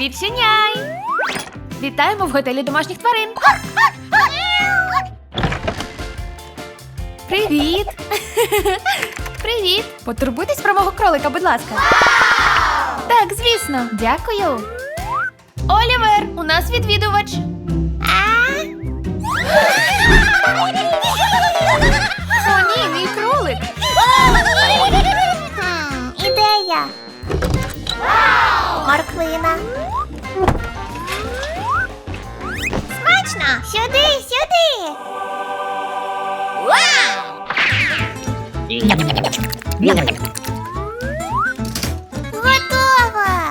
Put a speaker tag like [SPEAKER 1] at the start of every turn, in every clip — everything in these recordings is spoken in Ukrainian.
[SPEAKER 1] Відчиняй! Вітаємо в готелі домашніх тварин. Привіт! Привіт! Потурбуйтесь про мого кролика, будь ласка. Так, звісно. Дякую. Олівер, у нас відвідувач. О, ні, мій кролик.
[SPEAKER 2] Ідея. Морквина. Смачно! Сюди, сюди! Готово!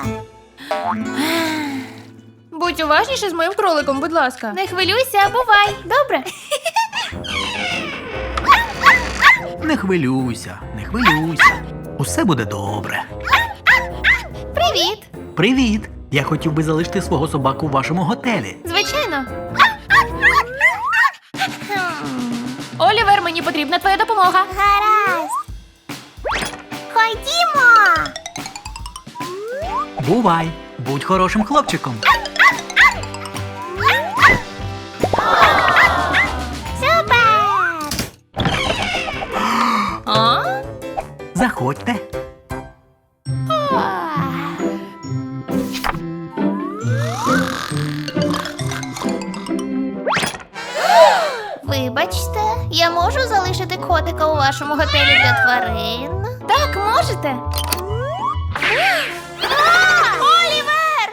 [SPEAKER 1] Будь уважніше з моїм кроликом, будь ласка. Не хвилюйся, бувай. Добре?
[SPEAKER 3] Не хвилюйся, не хвилюйся. Усе буде добре.
[SPEAKER 1] Привіт.
[SPEAKER 3] Привіт! Я хотів би залишити свого собаку в вашому готелі.
[SPEAKER 1] Звичайно. Олівер, мені потрібна твоя допомога.
[SPEAKER 2] Гаразд. Ходімо!
[SPEAKER 3] Бувай! Будь хорошим хлопчиком.
[SPEAKER 2] Супер!
[SPEAKER 1] А?
[SPEAKER 3] Заходьте.
[SPEAKER 2] Вибачте, я можу залишити котика у вашому готелі для тварин?
[SPEAKER 1] Так, можете.
[SPEAKER 2] Олівер!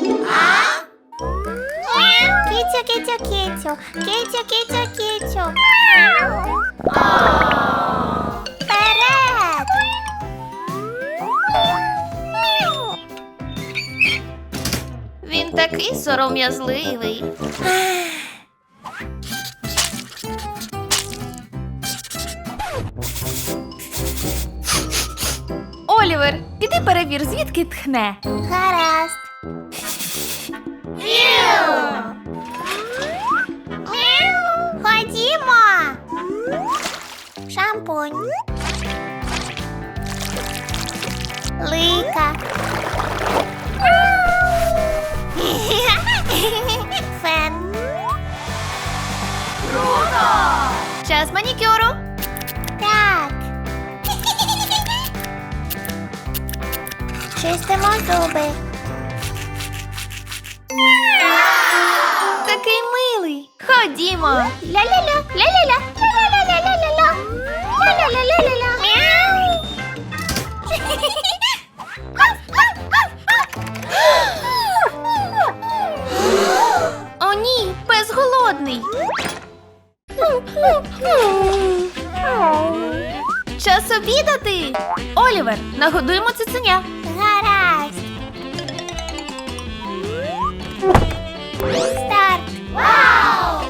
[SPEAKER 2] Кіцю, кіцю, кіцю. Кіцю, кіцю, кіцю. Вперед!
[SPEAKER 1] Він такий сором'язливий. Олівер, піди перевір, звідки тхне.
[SPEAKER 2] Гаразд. Ходімо. Шампунь. Лика. Фен.
[SPEAKER 1] Час манікюру.
[SPEAKER 2] Так. Чистимо зуби.
[SPEAKER 1] Такий милий. Ходімо.
[SPEAKER 2] Ля-ля-ля, ля-ля-ля, ля-ля-ля-ля-ля-ля. Ля-ля-ля-ля-ля-ля. Мяу.
[SPEAKER 1] О, ні, пес голодний. Час обідати. Олівер, нагодуємо цуценя.
[SPEAKER 2] Гаразд. Старт. Вау!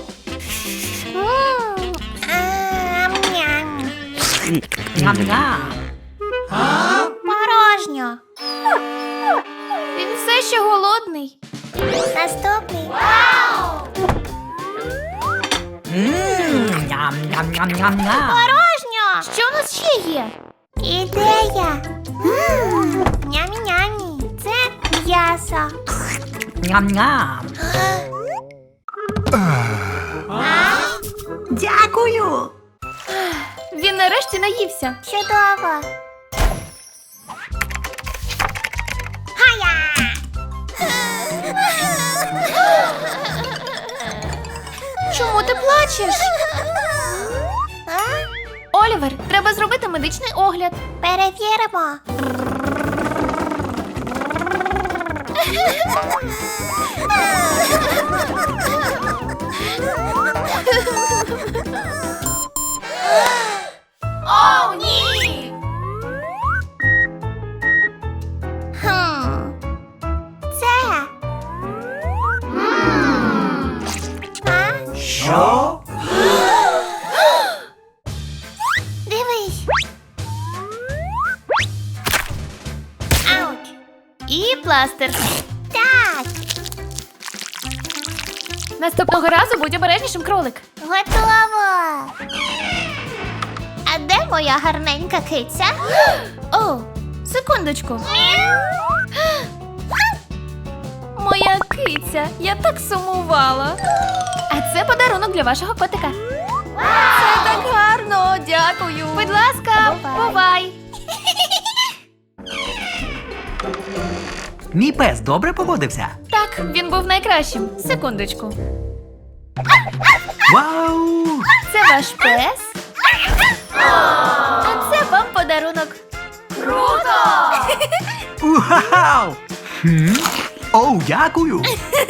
[SPEAKER 2] Ам-ням.
[SPEAKER 3] Ням-ням.
[SPEAKER 2] Порожньо.
[SPEAKER 1] Він все ще голодний.
[SPEAKER 2] Наступний. Вау!
[SPEAKER 3] Ням-ням-ням-ням-ням.
[SPEAKER 2] Порожньо.
[SPEAKER 1] Що у нас ще є?
[SPEAKER 2] Ідея. Нямі-нямі. Це м'ясо.
[SPEAKER 3] Ням-ням. Дякую.
[SPEAKER 1] Він нарешті наївся.
[SPEAKER 2] Чудово. Хая!
[SPEAKER 1] Чому ти плачеш? Олівер, треба зробити медичний огляд.
[SPEAKER 2] Перевіримо.
[SPEAKER 1] О, ні!
[SPEAKER 2] Це. А?
[SPEAKER 3] Що?
[SPEAKER 2] Дивись. Ауч.
[SPEAKER 1] І пластир.
[SPEAKER 2] Так.
[SPEAKER 1] Наступного разу будь обережнішим, кролик.
[SPEAKER 2] Готово. А де моя гарненька киця?
[SPEAKER 1] О, секундочку. киця, я так сумувала. А це подарунок для вашого котика. Це так гарно, дякую. Будь ласка, бувай.
[SPEAKER 3] Мій пес добре поводився.
[SPEAKER 1] Так, він був найкращим. Секундочку.
[SPEAKER 3] Вау!
[SPEAKER 1] Це ваш пес? А це вам подарунок. Круто!
[SPEAKER 3] Вау! Оу, дякую!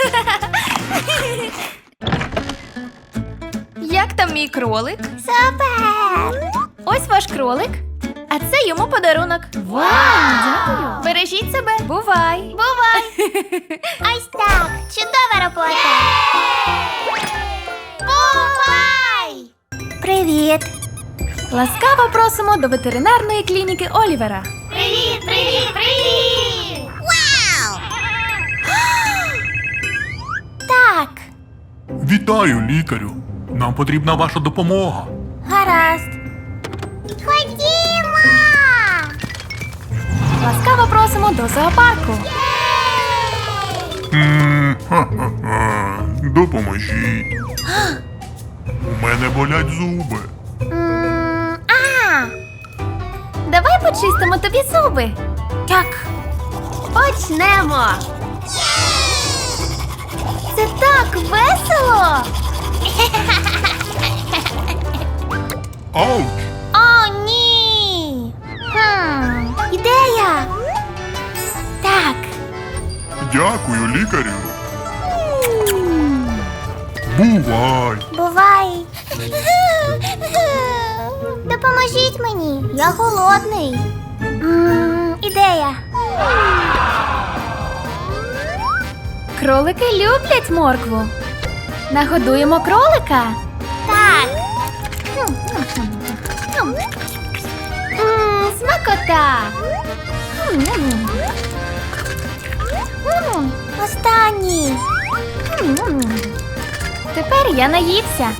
[SPEAKER 1] Як там мій кролик?
[SPEAKER 2] Супер!
[SPEAKER 1] Ось ваш кролик. А це йому подарунок. Вау, дякую. Бережіть себе. Бувай.
[SPEAKER 2] Бувай! Ось так! Чудова робота! Бувай! Привіт!
[SPEAKER 1] Ласкаво просимо до ветеринарної клініки Олівера.
[SPEAKER 2] Привіт, привіт, привіт! Вау! Так,
[SPEAKER 4] Вітаю, лікарю. Нам потрібна ваша допомога.
[SPEAKER 2] гаразд. Ходімо!
[SPEAKER 1] Ласкаво просимо до зоопарку.
[SPEAKER 4] Ха-ха-ха. Допоможіть. У мене болять зуби.
[SPEAKER 1] Давай почистимо тобі зуби.
[SPEAKER 2] Так,
[SPEAKER 1] Почнемо. Це так весело.
[SPEAKER 4] Ауч!
[SPEAKER 2] о, ні! Ідея! Так,
[SPEAKER 4] Дякую, лікарю. Бувай!
[SPEAKER 2] бувай! Допоможіть мені, я голодний. Ідея.
[SPEAKER 1] Кролики люблять моркву. Нагодуємо кролика.
[SPEAKER 2] Так.
[SPEAKER 1] Смакота.
[SPEAKER 2] Останній.
[SPEAKER 1] Тепер я наївся.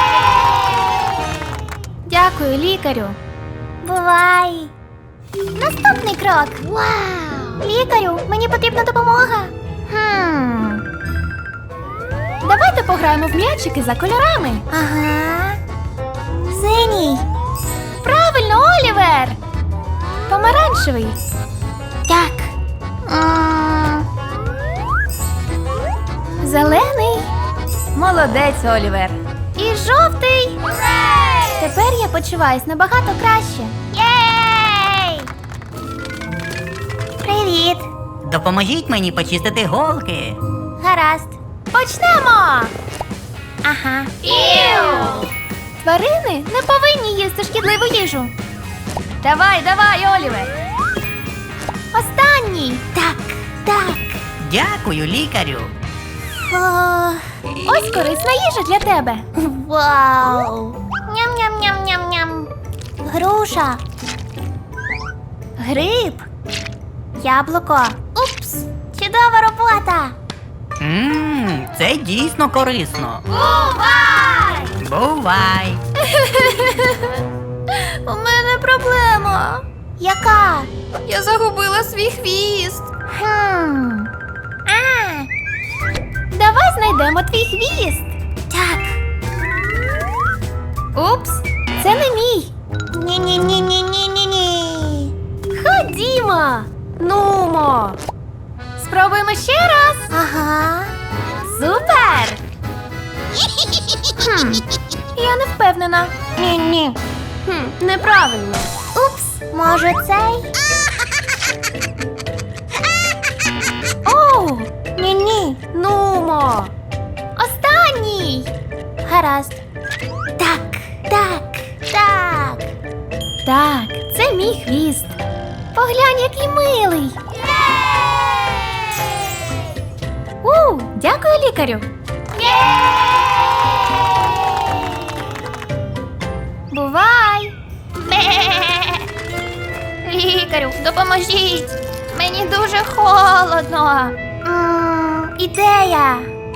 [SPEAKER 1] Дякую, лікарю.
[SPEAKER 2] Бувай. Наступний крок. Вау! Лікарю, мені потрібна допомога.
[SPEAKER 1] Давайте пограємо в м'ячики за кольорами.
[SPEAKER 2] Ага. Синій.
[SPEAKER 1] Правильно, Олівер. Помаранчевий.
[SPEAKER 2] Так.
[SPEAKER 1] Зелений. Молодець, Олівер. І жовтий. Тепер я почуваюсь набагато краще.
[SPEAKER 2] Єй! Привіт.
[SPEAKER 5] Допоможіть мені почистити голки.
[SPEAKER 2] Гаразд.
[SPEAKER 1] Почнемо!
[SPEAKER 2] Ага.
[SPEAKER 1] Тварини не повинні їсти шкідливу їжу. Давай, давай, Олівер. Останній.
[SPEAKER 2] Так, так.
[SPEAKER 5] Дякую, лікарю.
[SPEAKER 2] О,
[SPEAKER 1] Ось корисна їжа для тебе.
[SPEAKER 2] вау. Ням-ням-ням-ням-ням. Груша. Гриб. Яблуко. Упс. Чудова робота.
[SPEAKER 5] Це дійсно корисно.
[SPEAKER 2] Бувай!
[SPEAKER 5] Бувай!
[SPEAKER 1] У мене проблема.
[SPEAKER 2] Яка?
[SPEAKER 1] Я загубила свій хвіст. Давай знайдемо твій хвіст.
[SPEAKER 2] Так.
[SPEAKER 1] Упс, це не мій.
[SPEAKER 2] Ні-ні-ні-ні-ні-ні.
[SPEAKER 1] Ходімо. Нумо. Спробуємо ще раз.
[SPEAKER 2] Ага.
[SPEAKER 1] Супер! Я не впевнена.
[SPEAKER 2] Ні-ні.
[SPEAKER 1] Неправильно.
[SPEAKER 2] Упс, може цей?
[SPEAKER 1] Оу,
[SPEAKER 2] Ні-ні.
[SPEAKER 1] нумо. Останній.
[SPEAKER 2] Гаразд. Так, так, так.
[SPEAKER 1] Так, це мій хвіст. Поглянь, який милий. Дякую, лікарю. Бувай. Лікарю, допоможіть. Мені дуже холодно.
[SPEAKER 2] Ідея.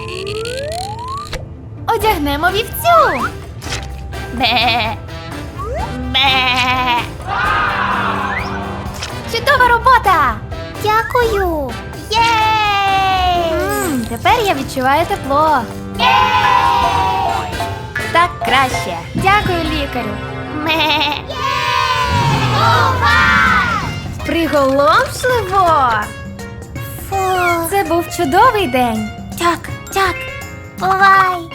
[SPEAKER 1] Одягнемо вівцю. Бе. Бе. Чудова робота.
[SPEAKER 2] Дякую. Єй!
[SPEAKER 1] Тепер я відчуваю тепло. Так краще. Дякую, лікарю.
[SPEAKER 2] Ме.
[SPEAKER 1] Приголомшливо.
[SPEAKER 2] Фу.
[SPEAKER 1] Це був чудовий день.
[SPEAKER 2] Так. Бувай.